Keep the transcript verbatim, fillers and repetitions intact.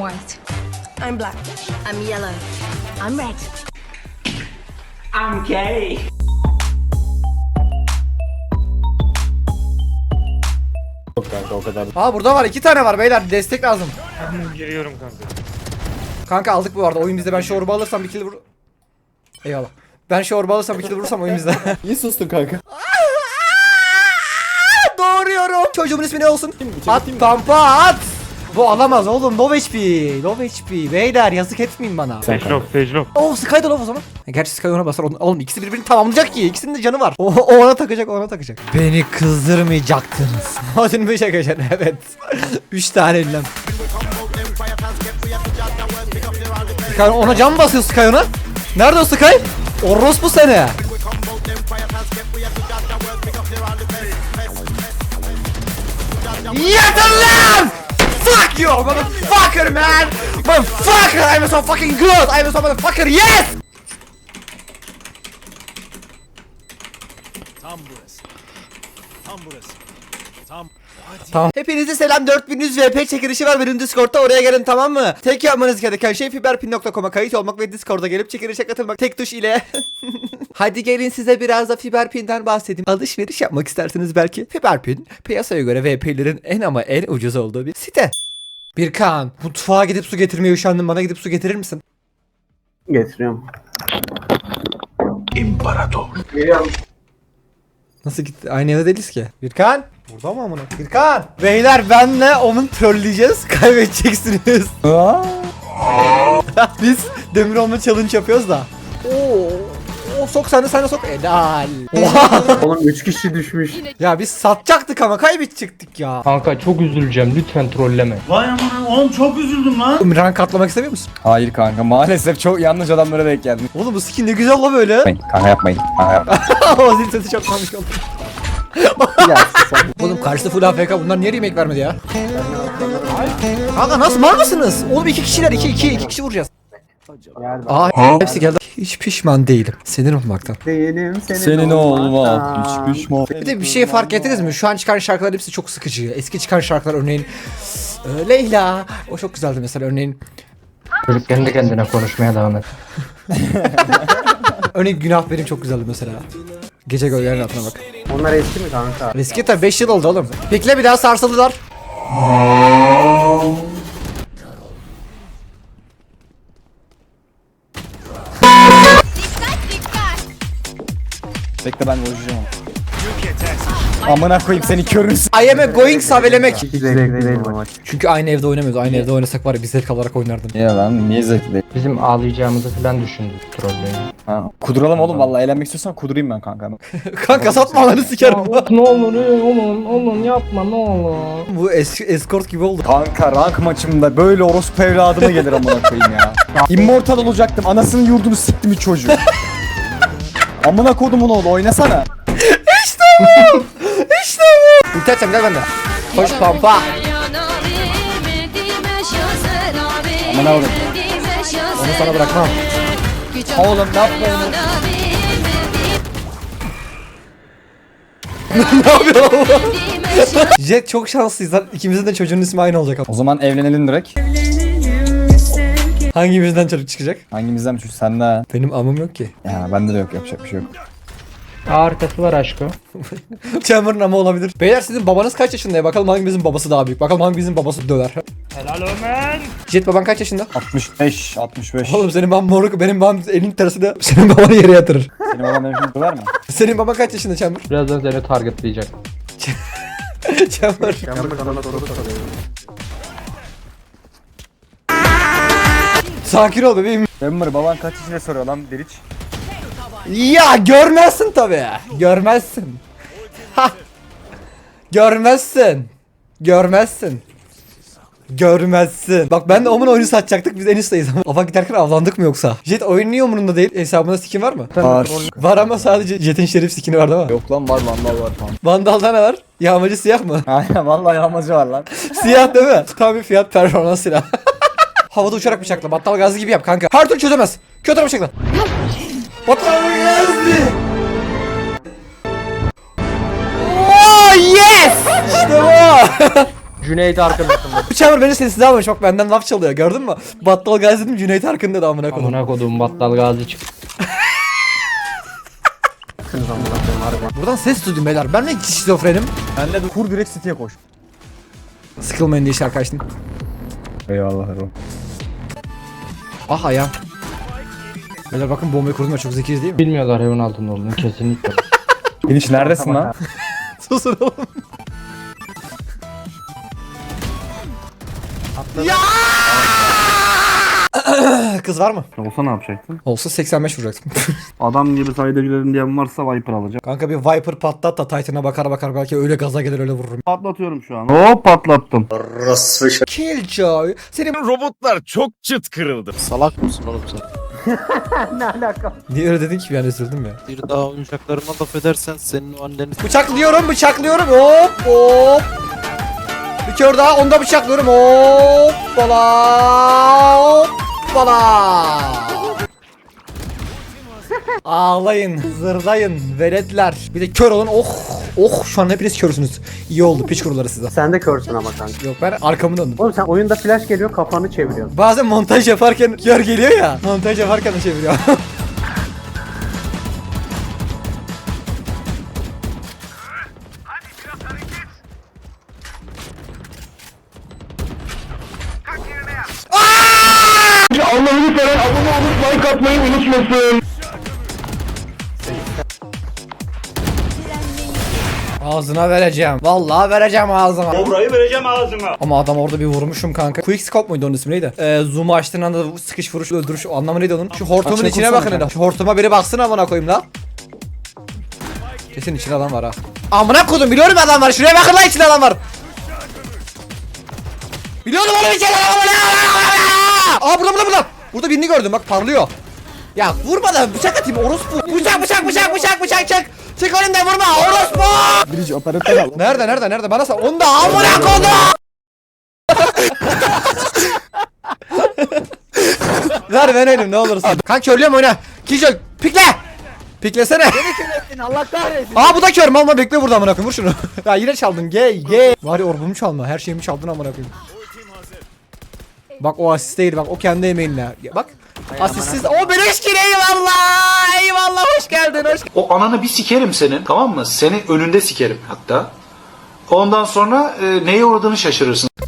white. I'm black. I'm yellow. I'm red. I'm gay. Yok kanka o kadar. Aa burada var, iki tane var beyler, destek lazım. Giriyorum kanka. Kanka aldık bu arada, oyun bizde. Ben şu orba alırsam bir kill vur. Eyvallah. Ben şu orba alırsam bir kill vurursam oyun bizde. İyi sustun kanka. Doğruyorum. Çocuğumun ismi ne olsun? At pampa at. Bu alamaz oğlum, low H P. Low H P beyler, yazık etmeyin bana. Sage lock, sage lock. Oh Sky da low o zaman. Gerçi Sky ona basar. Oğlum ikisi birbirini tamamlayacak ki. İkisinin de canı var. O, o ona takacak, o ona takacak. Beni kızdırmayacaktınız. Odin mi çekeceksin? Evet. Üç tane ellem. Sky ona can mı basıyor Sky ona? Nerede o Sky? Orospu seni. Yeter lan! Fuck you, motherfucker, man! Motherfucker, I'm so fucking good! I'm so motherfucker, yes! Tam burası. Tam burası. Tam. Tamam. Hepinize selam. dört bin yüz V P çekilişi var benim Discord'da, oraya gelin tamam mı? Tek yapmanız gereken şey fiberpin nokta com'a kayıt olmak ve Discord'a gelip çekilişe katılmak tek tuş ile. Hadi gelin size biraz da fiberpin'den bahsedeyim. Alışveriş yapmak isterseniz belki. Fiberpin piyasaya göre V P'lerin en ama en ucuz olduğu bir site. Birkan, mutfağa gidip su getirmeye üşendim, bana gidip su getirir misin? Getiriyorum. İmparator. Geliyorum. Nasıl gitti? Aynı evde değiliz ki. Birkan! Burada mı amına? Birkan! Beyler benle onun trolleyeceğiz. Kaybedeceksiniz. Biz demir olma challenge yapıyoruz da. Oo. O sok sen de sen de sok. Helal. Oha. Oğlum üç kişi düşmüş. Ya biz satacaktık ama kaybedecektik ya. Kanka çok üzüleceğim, lütfen trolleme. Vay aman oğlum çok üzüldüm lan. Rank atlamak istemiyor musun? Hayır kanka maalesef çok yanlış adamlara denk geldim. Oğlum bu skin ne güzel la böyle. Yapmayın kanka yapmayın. Kanka yapmayın. O zil sesi çok komik oldu. Oğlum karşıda full A F K, bunlar niye remake vermedi ya? Kanka nasıl, mal mısınız? Oğlum iki kişiler, iki iki iki kişi vuracağız. Aa hepsi geldi. Hiç pişman değilim. Sinir olmaktan. Değilim senin, Senin olma. olmaktan. Hiç pişman. Bir de bir şey fark ettiniz mi? Şu an çıkan şarkılar hepsi çok sıkıcı. Eski çıkan şarkılar örneğin e, Leyla. O çok güzeldi mesela örneğin. Çocuk kendi kendine konuşmaya devam et. Örneğin Günah Benim çok güzeldi mesela. Gece gölgelerinin altına bak. Onlar eski mi kanka? Eski tabi, beş yıl oldu oğlum. Bekle, bir daha sarsıldılar. Bekle ben vuracağım. Amına koyayım seni körünsün. I am a going savelemek. Hiç zevkli değil bu maç. Çünkü aynı evde oynamıyoruz. Aynı evde oynasak var ya, bir zevk alarak oynardım. Niye lan? Niye zevkli değil? Bizim ağlayacağımızı falan düşündü trolleyi. Ha. Kuduralım oğlum vallahi eğlenmek istiyorsan kudurayım ben kanka. Kanka satma lan, sikerim. Ne olur oğlum oğlum yapma ne olur. Bu es escort gibi oldu. Kanka rank maçımda böyle orospu evladıma gelir amına koyayım ya. Immortal olacaktım. Anasının yurdunu siktim bir çocuğu. Amına kodumun oğlu oynasana. İşte bu. İşte bu. İnterçem gel bende. Koş pampa. Amına oğlum. Onu sana bırakmam. Oğlum ne yapma onu. Ne yapıyor oğlum? Jet çok şanslıyız lan. İkimizin de çocuğun ismi aynı olacak. O zaman evlenelim direkt. Hangimizden çocuk çıkacak? Hangimizden bir çocuk sende? Benim amım yok ki. Ya bende de yok yapacak bir şey yok. Arkası var aşkı. Chamber'ın amı olabilir. Beyler sizin babanız kaç yaşında ya? Bakalım hangimizin babası daha büyük. Bakalım hangimizin babası döver. Helal Ömer. Jet baban kaç yaşında? altmış beş altmış beş. Oğlum senin baban moruk, benim babam elin tersiyle senin babanı yere yatırır. Senin baban benim şimdi döver mi? Senin baban kaç yaşında Chamber? Birazdan seni targetleyecek. Chamber. Sakin ol bebeğim. Ömer baban kaç yaşında soruyor lan Deliç? Ya görmezsin tabii. Görmezsin. Ha. Görmezsin. Görmezsin. Görmezsin. Bak ben de Omun oyunu satacaktık, biz en üstteyiz ama. Afa giderken avlandık mı yoksa? Jet oyun niye umurunda değil? Hesabında skin var mı? Var. Var ama sadece Jet'in şerif skini var değil mi? Yok lan var vandal var falan. Vandal'da ne var? Yağmacı siyah mı? Aynen vallahi yağmacı var lan. Siyah değil mi? Tam bir fiyat performans silah. Havada uçarak bıçakla. Battal gazı gibi yap kanka. Her türlü çözemez. Kötü bıçakla. Battal gazı. Oh yes! İşte bu. Cüneyt arkadaşım. Bu Chamber beni sessiz almış. Bak benden laf çalıyor. Gördün mü? Battal Gazi dedim, Cüneyt Arkın dedi amına koyayım. Amına kodum battal gazi çık. Buradan ses duydum beyler. Ben mi şizofrenim? Ben de kur direkt City'ye koş. Sıkılmayın diye şarkı açtım. Eyvallah Erol. Ah ayağım. Beyler bakın bombayı kurdum ya, çok zekiyiz değil mi? Bilmiyorlar evin altında olduğunu kesinlikle. Finish neredesin lan? Susun oğlum. Ya! Kız var mı? Olsa ne yapacaksın? Olsa seksen beş vuracaktım. Adam gibi sayda girelim diyen varsa Viper alacağım. Kanka bir Viper patlat da Titan'a bakar bakar belki öyle gaza gelir öyle vururum. Patlatıyorum şu an. Hop patlattım. Killjoy. Senin Robotlar çok çıt kırıldı. Salak mısın oğlum sen? niye öyle dedin ki, bir an üzüldüm ya. Bir daha oyuncaklarıma laf edersen senin o anneni... Bıçaklıyorum, bıçaklıyorum. Hop hop. Bir kör daha, onu da bıçaklıyorum. Hop bala. Hop bala. Ağlayın, zırlayın, veletler. Bir de kör olun. Oh, oh şu an hepiniz körsünüz. İyi oldu, piç kuruları size. Sen de körsün ama kanka. Yok ben arkamı döndüm. Oğlum sen oyunda flash geliyor kafanı çeviriyorsun. Bazen montaj yaparken kör geliyor ya. Montaj yaparken de çeviriyor. Allah'ını seven abone olup like atmayı unutmasın. Ağzına vereceğim. Vallahi vereceğim ağzına. Burayı vereceğim ağzına. Ama adam orada bir vurmuşum kanka. Quick scope muydu onun ismi neydi? Ee, zoom'u açtığın anda sıkış vuruş öldürüş o anlamı neydi onun? Şu hortumun Açını içine kursana bakın kanka. hele. Şu hortuma biri baksın amına koyayım la. Kesin içinde adam var ha. Amına koydum, biliyorum adam var. Şuraya bakın lan, içinde adam var. Biliyorum oğlum, içinde adam var. Aa burada burada burada. Burada birini gördüm bak, parlıyor. Ya vurma da bıçak atayım orospu. Bıçak bıçak bıçak bıçak bıçak çık. Çık önümden vurma orospu. Birici operatör al. Nerede nerede nerede bana sal. Onu da amına koydum. Ver ben elim ne olursun. Kanka körlüyorum oyna. Killjoy pikle. Piklesene. Allah kahretsin. Aa bu da kör mal, bekle burada amına koyayım, vur şunu. Ya yine çaldın gey gey. Var ya orbumu çalma, her şeyimi çaldın amına koyayım. Bak o asist değil, bak o kendi emeğinle. Ya Bak asistsiz o beleş ki, eyvallah. Eyvallah, hoş geldin hoş. O ananı bir sikerim senin, tamam mı? Seni önünde sikerim hatta. Ondan sonra e, neye uğradığını şaşırırsın.